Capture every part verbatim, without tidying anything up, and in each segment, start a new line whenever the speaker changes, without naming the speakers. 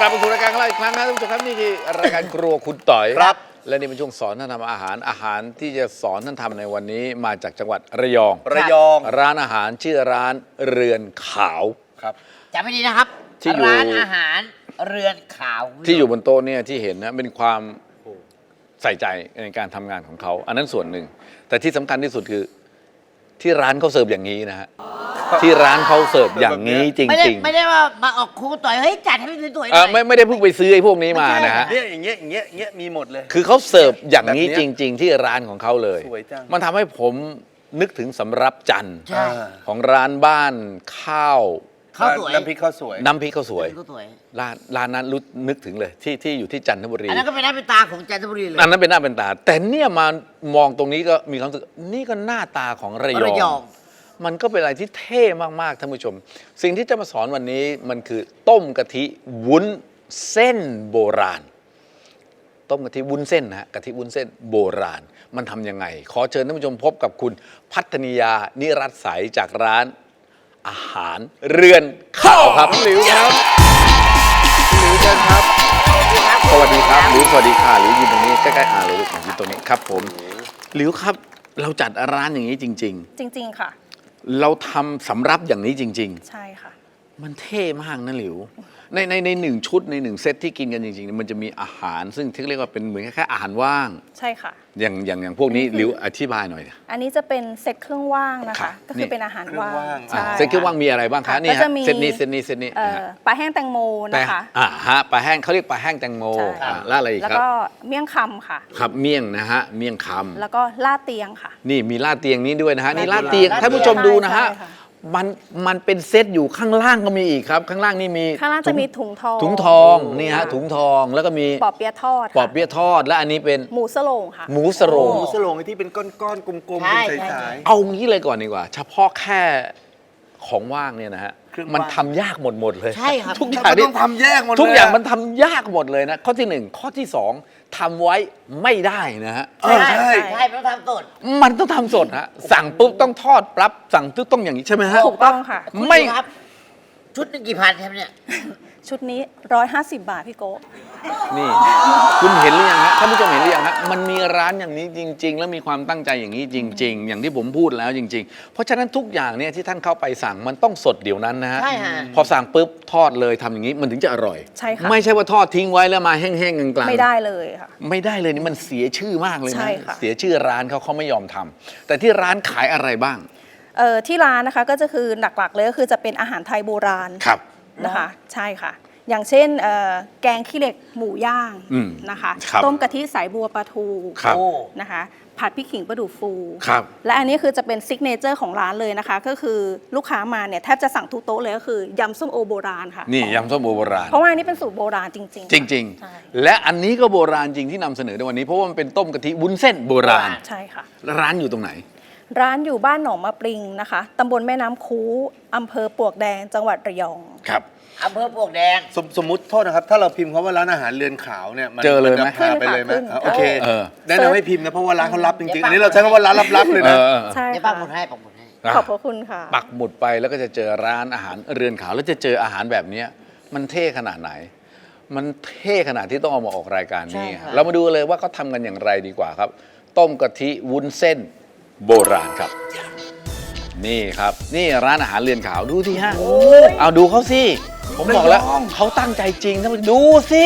มาสู่รายการของเราอีกครั้งนะท่านผู้ชมครับนี่คือรายการครัวคุณต่อยครับและนี่เป็นช่วงสอนท่านทำอาหารอาหารที่จะสอนท่านทำในวันนี้มาจากจังหวัดระยอง
ระยอง
ร้านอาหารชื่อร้านเรือนขาวครับ
จำไม่ดีนะครับ
ที่อยู่
ร้านอาหารเรือนขาว
ที่อยู่บนโต๊ะเนี่ยที่เห็นนะเป็นความใส่ใจในการทำงานของเขาอันนั้นส่วนหนึ่งแต่ที่สำคัญที่สุดคือที่ร้านเขาเสิร์ฟอย่างนี้นะฮะที่ร้านเขาเสิร์ฟอย่างนี้จ
ไม่ได้
ริง
ไม่ได้ว่ามาออกครูต่อยเฮ้ยจัดให้สวยๆห
ๆเอ
น่
อ
อย
ไม่ไม่ได้เพิ่งไปซื้อไอ้พวกนี้มานะฮะ
เนี่ยอย่างเงี้ยอย่างเงี้ยอย่างเงี้ยมีหมดเลย
คือเขาเสิร์ฟอย่างนี้
แบบ
จ
เนี้ย
ริง ๆ ที่ร้านของเขาเลย
สวยจัง
มันทำให้ผมนึกถึงสำรับจันทร์
ใช่
ของร้านบ้านข้าว
ข้าวสวย
น้ำพริกข้าวสวย
น้ำพริกข้าวสวย
ข้าวสวย
ร้านร้านนั้นรู้นึกถึงเลยที่ที่อยู่ที่จันทบุรี
อันนั้นก็เป็นหน้าเป็นตาของจันทบุรีเลย
อันนั้นเป็นหน้าเป็นตา แต่เนี่ยมามองตรงนี้ก็มีความรู้สึกนี่ก็หน้าตาของระย
ระย
อ
อง ง
มันก็เป็นอะไรที่เท่มากๆท่านผู้ชม สิ่งที่จะมาสอนวันนี้มันคือต้มกะทิวุ้นเส้นโบราณ ต้มกะทิวุ้นเส้นนะฮะกะทิวุ้นเส้นโบราณ มันทำยังไง ขอเชิญท่านผู้ชมพบกับคุณพัฒนิยานิรัตน์ใสจากร้านอาหารเรือนข้าวครับหลิวครับหลิวเชิญครับสวัสดีครับหลิวสวัสดีค่ะหลิวยืนตรงนี้ใกล้ๆอาเลยลูกยืนตรงนี้ครับผมหลิวครับเราจัดร้านอย่างนี้จริง
จริง ๆ ค่ะ
ๆ เราทำสำรับอย่างนี้จริง
ใช่ค่ะ
ๆ มันเท่มากนะหลิวในในในหนึ่งชุดในหนึ่งเซตที่กินกันจริงๆมันจะมีอาหารซึ่งที่เรียกว่าเป็นเหมือนแค่อาหารว่าง
ใช่ค่ะ
อย่างอย่างอย่างพวกนี้หลิวอธิบายหน่อย
อันนี้จะเป็นเซตเครื่องว่างนะ
ครั
คะ
บ
ก็คือเป็นอาหารว่าง
เครื่องว่าง
ใช่
เซตที่ว่างมีอะไรบ้างคะ
ค่ะ
นี่
ก็
ฮะ
จะมี
เซตนี้เซตนี้เซตนี้
เอ่อ
นะฮะ
ปลาแห้งแตงโม
แป้
นะ
ง
คะ
อ่าฮะปลาแห้งเขาเรียกปลาแห้งแตงโม
ใช่
อ่าแล้วอะไรอีก
แล้ว
ครับ
ก็เมี่ยงคำค่ะ
ครับเมี่ยงนะฮะเมี่ยงคำ
แล้วก็ลาดเตียงค่ะ
นี่มีลาดเตียงนี้ด้วยนะฮะนี่ลา
ลา
ด
ดเตี
เตีย
ย
ง
ง
ท่านผู้ชมดูนะฮะ
ใช่ค่ะ
มันมันเป็นเซตอยู่ข้างล่างก็มีอีกครับ ข้างล่างนี่มี
ข้างล่างจะมีถุงทอง
ถุงทองนี่ฮะถุงทองแล้วก็มี
ปอบเปี๊ยะทอดค่ะ
ปอบเปี๊ยะทอดและอันนี้เป็น
หมูสโลงค่ะ
หมูสโรง
หมูสโลงไอ้ที่เป็นก้อนๆกลมๆ
ใช่
เป็น
ใช่
สาย
เอางี้เลยก่อนดีกว่า เฉพาะแค่ของว่างเนี่ยนะฮะ
เครื่องว่าง
มันทำยากหมดหมดเลย
ใช่ครับ
ทุกอ
ๆ
ย่าง
มัน
นี่
ต้องทำแยกหมดเลย
ทุกอย่างมันทำยากหมดเลยนะ ข้อที่หนึ่งข้อที่สองทำไว้ไม่ได้นะฮะ
เออใช่
ใช่ไม่ต้องทำสด
มันต้องทำสดฮะสั่งปุ๊บต้องทอดปั๊บสั่งปุ๊บต้องอย่างนี้ใช่ไหมฮะ
ถูกต้องค่ะ
คุณ
ไม่
ดูครับ ชุดหนึงกี่พันครับเนี่ย
ชุดนี้ร้อยห้าสิบบาทพี่โก้
นี่คุณเห็นหรือยังฮะท่านผู้ชมเห็นหรือยังฮะมันมีร้านอย่างนี้จริง ๆ แล้วมีความตั้งใจอย่างนี้จริง ๆ อย่างที่ผมพูดแล้วจริง ๆ เพราะฉะนั้นทุกอย่างเนี่ยที่ท่านเข้าไปสั่งมันต้องสดเดี๋ยวนั้นนะฮะ
ใช่ฮะ
พอสั่งปุ๊บทอดเลยทำอย่างนี้มันถึงจะอร่อย
ใช่ค่ะ
ไม่ใช่ว่าทอดทิ้งไว้แล้วมาแห้งๆกลางๆ
ไม่ได้เลยค่ะ
ไม่ได้เลยนี่มันเสียชื่อมากเลย
ใช่
นะ
ค่ะ
เสียชื่อร้านเขาเขาไม่ยอมทำแต่ที่ร้านขายอะไรบ้าง
เอ่อที่ร้านนะคะก็จะคือหลักๆเลยก็คือจะเป็นอาหารไทยโบราณ
ครับ
นะคะใช่ค่ะ อย่างเช่นเอ่อแกงขี้เหล็กหมูย่าง
อืม
นะคะ
ครับ
ต้มกะทิสายบัวปลาทู
ครับ
โอ้
นะคะผัดพริกขิงปลาดุกฟู
ครับ
และอันนี้คือจะเป็นซิกเนเจอร์ของร้านเลยนะคะ ก็คือลูกค้ามาเนี่ยแทบจะสั่งทุกโต๊ะเลยก็คือยำส้มโอโบราณค่ะ
นี่ยำส้มโอโบราณ
เพราะว่าอันนี้เป็นสูตรโบราณจริงๆ
จริง
ใช่
ๆ และอันนี้ก็โบราณจริงที่นำเสนอในวันนี้เพราะว่ามันเป็นต้มกะทิวุ้นเส้นโบราณ
ใช่ค่ะ
ร้านอยู่ตรงไหน
ร้านอยู่บ้านหนองมะปริงนะคะตำบลแม่น้ำคูอำเภอปลวกแดงจังหวัดระยอง
ครับ
อำเภอปลวกแดง
สมสมมุติโทษนะครับ ถ้าเราพิมพ์คำว่าร้านอาหารเรือนขาวเนี่ยมัน
เจอเลยไหม
นจะพาไปเลยไหม
ขึ้นค่ะ
อ่ะโอเค
เออ
แนะนำให้พิมพ์นะเพราะว่าร้านเขารับจริงๆ
เดี๋ยว
อันนี้เราใช้คำว่าร้านลับๆเลย
เอ
นะ
อเออ
ใช่
เดี๋ยวปัก
ค่ะ
หมุดให้ปักหมุดให้
ขอบพระคุณค่ะ
ปักหมุดไปแล้วก็จะเจอร้านอาหารเรือนขาวแล้วจะเจออาหารแบบเนี้ยมันเท่ขนาดไหน มันเท่ขนาดที่ต้องเอามาออกรายการนี้
ใช่ค่ะ
เรามาดูเลยว่าเขาทำกันอย่างไรดีกว่าครับ ต้มกะทิวุ้นเส้นโบราณครับ นี่ครับนี่ร้านอาหารเรือนขาวดูสิฮะเอาดูเขาสิผมบอกแล้วเขาตั้งใจจริงท่านผู้ชมดูสิ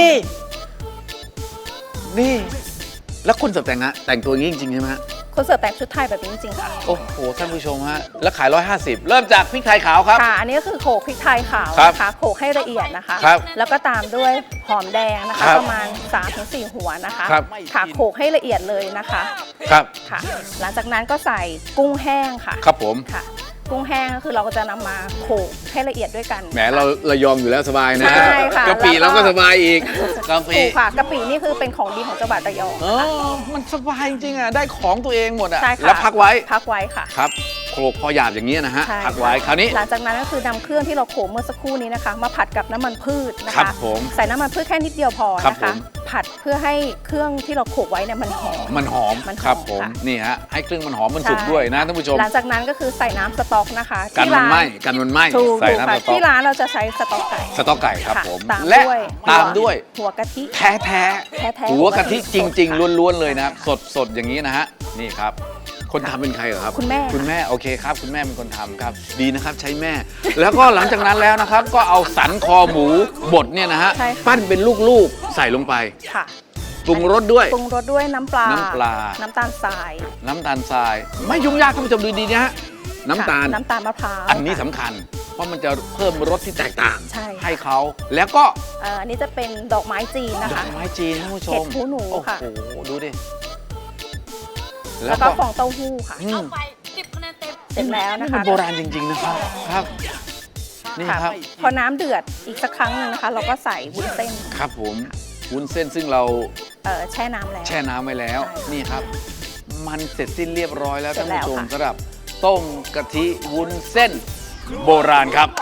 นี่แล้วคนเสิร์ฟแต่งฮะแต่งตัวอย่างนี้จริงๆใช่ไหมฮะ
คนเสิร์ฟแต่งชุดไทยแบบนี้จริงๆค่ะ
โอ้โหท่านผู้ชมฮะแล้วขายร้อยห้าสิบเริ่มจากพริกไทยขาวครับ
ค่ะ อันนี้ก็คือโขลกพริกไทยขาว
ครับ
นะคะโขลกให้ละเอียดนะคะ
ครับ
แล้วก็ตามด้วยหอมแดงนะคะ
ครับ
ประมาณ สามถึงสี่ หัวนะคะ
ครับ
ค่ะโขลกให้ละเอียดเลยนะคะ
ครับ
ค่ะ หลังจากนั้นก็ใส่กุ้งแห้งค่ะ
ครับผม
ค่ะ กุ้งแห้งก็คือเราก็จะนำมาโขลกให้ละเอียดด้วยกัน
แหมเราเรายอมอยู่แล้วสบายนะ
ใช่ค่ะ
กะปิ
แล้วก็
เราก็สบายอีกกะปิ
ถูกค่ะกะปินี่คือเป็นของดีของจังหวัดระยอง
เออมันสบายจริงๆอ่ะได้ของตัวเองหมดอ่ะ
ใช่ค่ะ
แล้วพักไว้
พักไว้ค่ะ
ครับโขลกพอหยาบอย่างนี้ยนะฮะ
ใช่
ผักไว้คราวนี้
หลังจากนั้นก็คือนำเครื่องที่เราโขลกเมื่อสักครู่นี้นะคะ มาผัดกับน้ำมันพืชนะ
ครั
คะ
บผม
ใส่น้ำมันพืชแค่นิดเดียวพอ
ครับ
นะ
ผ
คะ
ม
ผัดเพื่อให้เครื่องที่เราโขลกไว้เนี่ยมันหอม
มันหอม
มันหอม
ครับผม
ค่ะ
นี่ฮะให้เครื่องมันหอมมันสุก
ใช่
ด้วยนะท่านผู้ชม
หลังจากนั้นก็คือใส่น้ำสต๊อกนะคะ
กัน
ที่
มัน
ร้าน
ไหม้กันมันไหม้
ถูก
ใส่
ถูก
น้ำ
ค่ะ
สต๊อก
ที่ร้านเราจะใช้สต๊อกไก่
สต๊อกไก่ครับ
ะ
ผม
ตาม
และ
ด้วย
ตามด้วย
หัวกะทิ
แท้แท้
แท้ๆ
หัวกะทิจริง
ค่ะ
ๆล้วนๆเลยนะครับสดสดอย่างนี้นะฮะนี่ครับ คนทำเป็นใครเหรอครับ
คุณแม่
คุณแม่โอเคครับ คุณแม่เป็นคนทำครับ ดีนะครับใช้แม่ แล้วก็หลังจากนั้นแล้วนะครับ ก็เอาสันคอหมูบดเนี่ยนะฮะ
ใช่ค่ะ
ปั้นเป็นลูกๆใส่ลงไป
ค่ะ
ปรุงรสด้วย
ปรุงรสด้วยน้ำปลา
น้ำปลา
น้ำตาลทราย
น้ำตาลทราย ไม่ยุ่งยากท่านผู้ชมดูดีๆนะฮะน้ำตาล
ค่ะน้ำตาลมะพร้าว
อันนี้
ค่ะ
สำคัญ เพราะมันจะเพิ่มรสที่แตกต่าง
ใช่ค่ะ
ให้เขาแล้วก็
เอ่ออันนี้จะเป็นดอกไม้จีนนะ
ดอ
คะ
กไม้จีนท่านผู้ช
เห็
ม
ดหูหนูค่ะ
โอ้โหดูดิ
แล้วก็ฟองเต้าหู้ค่ะ
อืม
สิบคะแนนเต็ม
เสร็จแล้วนะ
นี่
คะ
มันโบราณจริง ๆ นะครับครับ นี่
ค่ะ
ครับ
พอน้ำเดือดอีกสักครั้งหนึ่งนะคะ เราก็ใส่วุ้นเส้น
ครับผมวุ้นเส้นซึ่งเรา
เอ่อแช่น้ำแล้ว
แช่น้ำไว้แล้ว
ใช่
นี่ครับ มันเสร็จสิ้นเรียบร้อยแล้ว
เสร็
ท่าน
จ
ผู้ชม
แล้วค่ะ
สำหรับต้มกะทิวุ้นเส้นโบราณครับ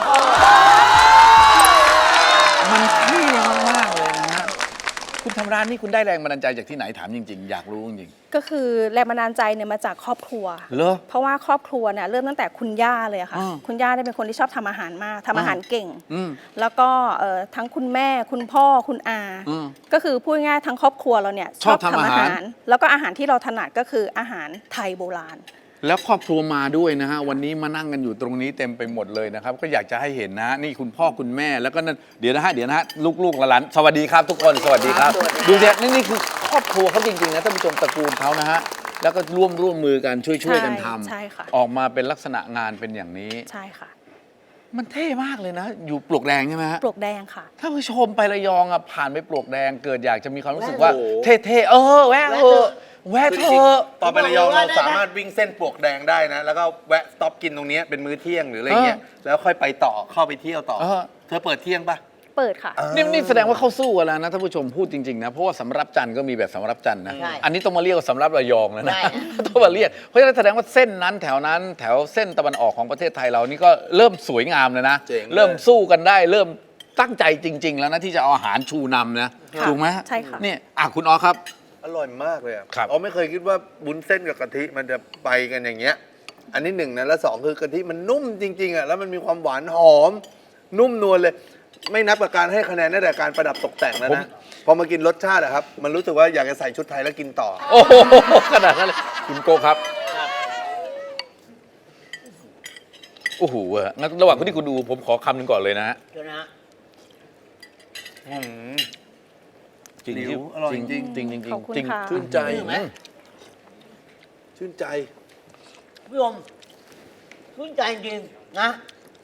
มันเท่มากๆเลยนะฮะคุณทำร้านนี้คุณได้แรงบันดาลใจจากที่ไหนถามจริง ๆ อยากรู้จริง
ก็คือแรงบันดาลใจเนี่ยมาจากครอบครัว
ๆเหรอ
เพราะว่าครอบครัวเนี่ยเริ่มตั้งแต่คุณย่าเลยอะค่ะ
อ่า
คุณย่าเนี่ยเป็นคนที่ชอบทำอาหารมากทำอาหารเก่ง
อืม
แล้วก็เอ่อทั้งคุณแม่คุณพ่อคุณอา
อืม
ก็คือพูดง่ายๆทั้งครอบครัวเราเนี่ย
ชอบทำอาหาร
แล้วก็อาหารที่เราถนัดก็คืออาหารไทยโบราณ
แล้วครอบครัวมาด้วยนะฮะวันนี้มานั่งกันอยู่ตรงนี้เต็มไปหมดเลยนะครับ ก็อยากจะให้เห็นนะฮะนี่คุณพ่อคุณแม่แล้วก็นั่นเดี๋ยวนะฮะเดี๋ยวนะฮะลูกๆหลานๆสวัสดีครับทุกคนสวัสดีครับ ดูเนี่ยนี่นี่คือครอบครัวเขาจริงๆนะท่านผู้ชมตระกูลเขานะฮะแล้วก็ร่วมร่วมมือกันช่วยช่วยๆกันทำ
ใช่ค่ะ
ออกมาเป็นลักษณะงานเป็นอย่างนี้
ใช่ค่ะ
มันเท่มากเลยนะ อยู่ปลวกแดงใช่ไหมฮะ
ปลวกแดงค่ะ
ถ้าผู้ชมไประยองอ่ะผ่านไปปลวกแดงเกิดอยากจะมีความรู้สึกว่า
โอ้โห
เท่ๆเออแวะเออแวะ
คือ
เถ
จริง
อะ
ๆตอนไประยองเราสามารถวิ่งเส้นปลวกแดงได้นะ แล้วก็แวะสต็อปกินตรงเนี้ยเป็นมื้อเที่ยงหรืออะไรเงี้ย แล้วค่อยไปต่อเข้าไปเที่ยวต่อ
เออ
เธอเปิดเที่ยงปะ
เปิดค่ะ
นี่นี่แสดงว่าเขาสู้กันแล้วนะท่านผู้ชมพูดจริงๆนะเพราะว่าสำรับจันทร์ก็มีแบบสำรับจันทร์นะ
ใช่
อันนี้ต้องมาเรียกว่าสำรับระยองแล้วนะ
ใช่
ต้องมาเรียกเพราะฉะนั้นแสดงว่าเส้นนั้นแถวนั้นแถวเส้นตะวันออกของประเทศไทยเรานี่ก็เริ่มสวยงามแล้วนะ
เจ๋งเลย
เริ่มสู้กันได้ เริ่มตั้งใจจริง ๆ แล้วนะที่จะเอาอาหารชูนำนะ
ค่ะ
ถูกไหม
ใช่ค่ะ
นี่อ่ะคุณอ๋อครับ
อร่อยมากเลยอะ
ครับ
อ๋อไม่เคยคิดว่าบุ้นเส้นกับกะทิมันจะไปกันอย่างเงี้ย อันนี้หนึ่งนะแล้วสองคือกะทิมันนุ่มจริงๆอ่ะแล้วมันมีความหวานหอม นุ่มนวลเลย ไม่นับกับการให้คะแนนตั้งแต่การประดับตกแต่งแล้วนะพอมากินรสชาติอะครับ มันรู้สึกว่าอยากจะใส่ชุดไทยแล้วกินต่อ
โอ้โหขนาดนั้นเลยคุณโกครับโอ้โหเว้ยงั้นระหว่างที่คุณดูผมขอคำหนึ่งก่อนเลยนะฮะ
เดี๋ยวนะ
อืม
จริง
หิว
ที่
อร่อย
จริง
จริง
จริงจริง
ขอบคุณ
จริง
ค่ะ
ชื่นใจ
ชื่นไหม
ชื่นใจ
พี่อมชื่นใจจริงๆนะ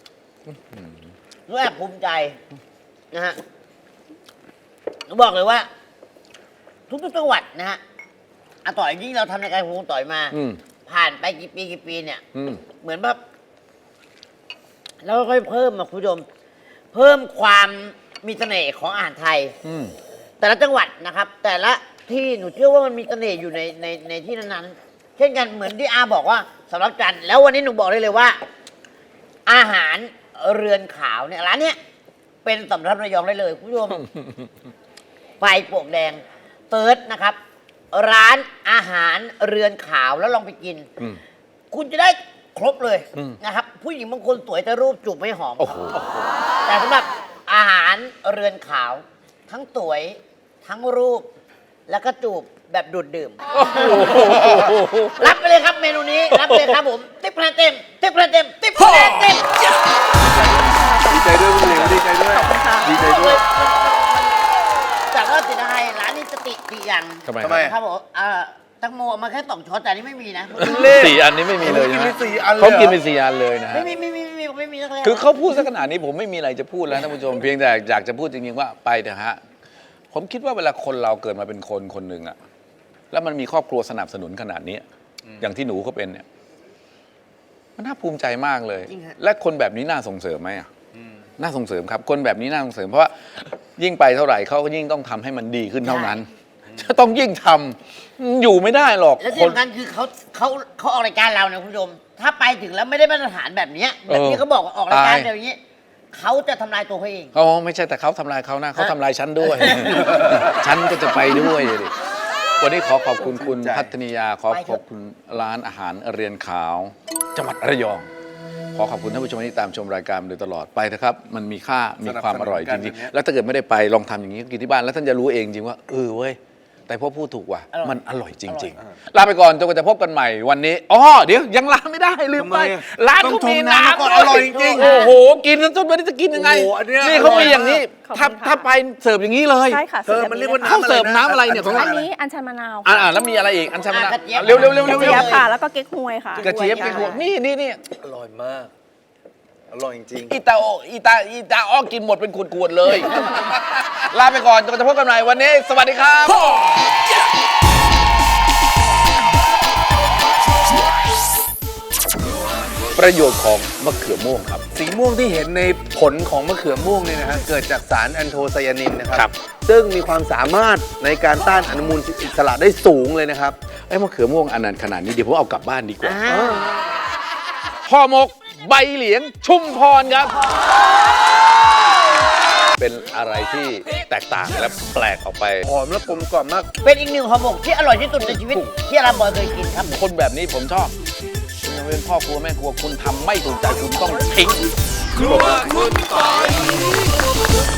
รู้แอบภูมิใจนะฮะผมบอกเลยว่า ทุกๆจังหวัดนะฮะอาต่อยยิ่งเราทำในการพงต่อยมา
อืม
ผ่านไปกี่ปีกี่ปีเนี่ย
อืม
เหมือนแบบเราค่อยๆเพิ่มมาคุณผู้ชมเพิ่มความมีเสน่ห์ของอาหารไทย
อืม
แต่ละจังหวัดนะครับ แต่ละที่หนูเชื่อว่ามันมีเสน่ห์อยู่ในในในที่นั้นๆเช่นกันเหมือนที่อาบอกว่าสำหรับจันทร์แล้ววันนี้หนูบอกได้เลยว่า อาหารเรือนขาวเนี่ยร้านเนี้ยเป็นสำรับระยองได้เลยคุณผู้ชม ไฟปลวกแดงเติร์ดนะครับ ร้านอาหารเรือนขาวแล้วลองไปกิน
อืม
คุณจะได้ครบเลย
อืม
นะครับ ผู้หญิงบางคนสวยแต่รูปจูบไม่หอม
โอ้โห
แต่สำหรับอาหารเรือนขาว ทั้งสวยทั้งรูป แล้วก็จูบแบบดูดดื่ม รับไปเลยครับเมนูนี้ รับไปเลยครับผมติ๊บคะแนนเต็มติ๊บคะแนนเต็มติ๊บคะแนนเต็ม
ดีใจด้วยคุณหลิวดีใจด้วย ดีใจด้วย
จากว่าติดอะไรร้านนี้สติดีอย่าง
ทำไม
ทำไม
ครับผมอ่าตังโมเอามาแค่สองช้อนแต่อันนี้ไม่มีนะ
สี่อันนี้ไม่มีเลย
กิน
นะ
ไปสี่อันเลย
เขา
เหรอ
กินไปสี่อันเลยนะฮะ
ไม่มีไม่มีไม่มีไม่มีนักเลย
คือเขาพูดสักขนาดนี้ผมไม่มีอะไรจะพูดแล้วท่านผู้ชม เพียงแต่อยากจะพูดจริงๆว่าไปเถอะฮะผมคิดว่าเวลาคนเราเกิดมาเป็นคนคนหนึ่งอะแล้วมันมีครอบครัวสนับสนุนขนาดนี้อย่างที่หนูเขาเป็นเนี่ยมันน่าภูมิใจมากเลย และคนแบบนี้น่าส่งเสริมไหมอะน่าส่งเสริมครับ คนแบบนี้น่าส่งเสริมเพราะว่ายิ่งไปเท่าไหร่เขาก็ยิ่งต้องทำให้มันดีขึ้นเท่านั้นจะต้องยิ่งทำอยู่ไม่ได้หรอก
แล้วที่สำคัญคือเขาเขาเขาออกรายการเราเนี่ยคุณผู้ชมถ้าไปถึงแล้วไม่ได้มาตรฐานแบบเนี้ยแบบที่เขาบอกว่าออกรายการแบบนี้เขาจะทำลายตัวเขาเอง
เขาไม่ใช่แต่เขาทำลายเขานะเขาทำลายฉันด้วย ฉันก็จะไปด้วยดิวันนี้ขอขอบคุณคุณ
ใจ
พัฒนิยาขอ
ไปเถอะ
ขอบคุณร้านอาหารเรียนขาว จังหวัดระยอง ขอขอบคุณท่านผู้ชมที่ตามชมรายการมาโดยตลอดไปนะครับ มันมีค่ามีความอร่อยจริงๆ แล้วถ้าเกิดไม่ได้ไปลองทำอย่างนี้กินที่บ้านแล้วท่านจะรู้เองจริงว่าเออเว้ยแต่พ่อพูดถูกว่ะมันอร่อยจริง ๆ ลาไปก่อนจนกว่าจะพบกันใหม่วันนี้อ๋อเดี๋ยวยังลาไม่ได้ลืมไป
ทำไมอะ
ร้าน
ต้อง
เขามี
ชมน้ำ
น้ำ
ก่อนอร่อยจริงๆ
โอ้โหกินแล้วจนไม่ได้จะกินยังไง
โอ้โหอันเนี้ย
นี่เขามีอย่างนี้
ขอบคุณ
ถ้า
ค่ะ
ถ้าไปเสิร์ฟอย่างนี้เลย
ใช่ค่ะ
เธอมันเรียกว่า
เขาเสิร์ฟน้ำอะไรเนี่ยของ
อั
เรา
นนี้อัญชันมะนาว
อ่าแล้วมีอะไรอีกอันชันมะนาว
อ่ะกระเจี๊ยบ
เร็วเร็วเร็ว
ก
เร็
ระ
ว
เจี๊
เร็
ยว บค่ะแล้วก็เก๊กฮวยค่ะ
กระเจี๊ยบกระหัวนี่นี่นี่
อร่อยมาก อร่อยจริง
อีตาโออีตาอีตาอ้อกินหมดเป็นขวดๆเลย ลาไปก่อนจนกว่าจะพบกันใหม่วันนี้ สวัสดีครับ ประโยชน์ของมะเขือม่วงครับ
สีม่วงที่เห็นในผลของมะเขือม่วงเนี่ยนะฮะเกิดจากสารแอนโทไซยานินนะค
ครั
รับ ซึ่งมีความสามารถในการต้านอนุมูลอิสระได้สูงเลยนะครับ
ไอ้มะเขือม่วงอันนั้นขนาดนี้เดี๋ยวผมเอากลับบ้านดีกว่า
อ่า
ห่อหมกใบเหลียงชุมพรครับ เป็นอะไรที่แตกต่างและแปลกออกไป
หอมและกลมกล่อมมาก
เป็นอีกหนึ่งห่อหมกที่อร่อยที่สุดในชีวิตที่อาราบอยเคยกินครับ
คนแบบนี้ผมชอบคุณยังเป็นพ่อครัวแม่ครัวคุณทำไม่ถูกใจคุณต้องทิ้ง
ครัวคุณปอย